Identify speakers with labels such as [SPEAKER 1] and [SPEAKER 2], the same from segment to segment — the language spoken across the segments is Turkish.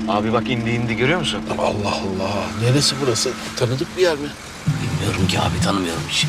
[SPEAKER 1] Abi bak indi görüyor musun?
[SPEAKER 2] Allah Allah. Neresi burası? Tanıdık bir yer mi?
[SPEAKER 3] Bilmiyorum ki abi, tanımıyorum hiç.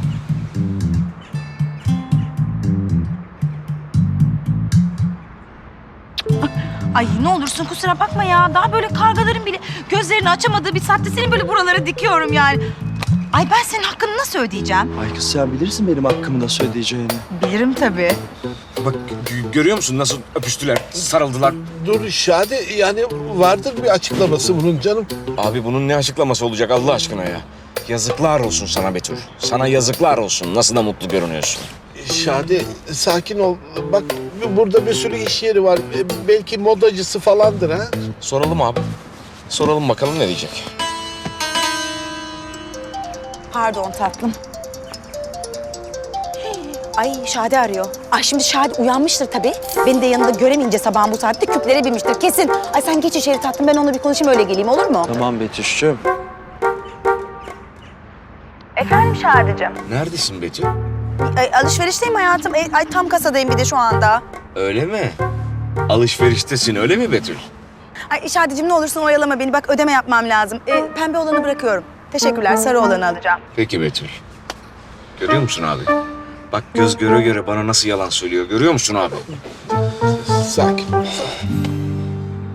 [SPEAKER 4] Ay ne olursun kusura bakma ya. Daha böyle kargaların bile gözlerini açamadığı bir saatte seni böyle buralara dikiyorum yani. Ay ben senin hakkını nasıl ödeyeceğim?
[SPEAKER 5] Ay kız sen bilirsin benim hakkımı nasıl ödeyeceğini.
[SPEAKER 4] Bilirim tabii.
[SPEAKER 1] Bak görüyor musun nasıl öpüştüler, sarıldılar.
[SPEAKER 2] Dur Şadi, yani vardır bir açıklaması bunun canım.
[SPEAKER 1] Abi bunun ne açıklaması olacak Allah aşkına ya? Yazıklar olsun sana Betül. Sana yazıklar olsun. Nasıl da mutlu görünüyorsun.
[SPEAKER 2] Şadi sakin ol. Bak burada bir sürü iş yeri var. Belki modacısı falandır ha.
[SPEAKER 1] Soralım abi. Soralım bakalım ne diyecek.
[SPEAKER 4] Pardon tatlım. Ay Şadi arıyor. Ay şimdi Şadi uyanmıştır tabii. Beni de yanında göremeyince sabahın bu saatte küplere binmiştir kesin. Ay sen geç içeri tatlım, ben onunla bir konuşayım öyle geleyim, olur mu?
[SPEAKER 5] Tamam Betüş'cüğüm.
[SPEAKER 4] Efendim Şadi'cim.
[SPEAKER 1] Neredesin Betül?
[SPEAKER 4] Alışverişteyim hayatım. Ay tam kasadayım bir de şu anda.
[SPEAKER 1] Öyle mi? Alışveriştesin öyle mi Betül?
[SPEAKER 4] Ay Şadi'cim ne olursun oyalama beni. Bak ödeme yapmam lazım. Pembe olanı bırakıyorum. Teşekkürler. Sarı olanı alacağım.
[SPEAKER 1] Peki Betül. Görüyor musun abi? Bak göz göre göre bana nasıl yalan söylüyor. Görüyor musun abi?
[SPEAKER 2] Sakin ol.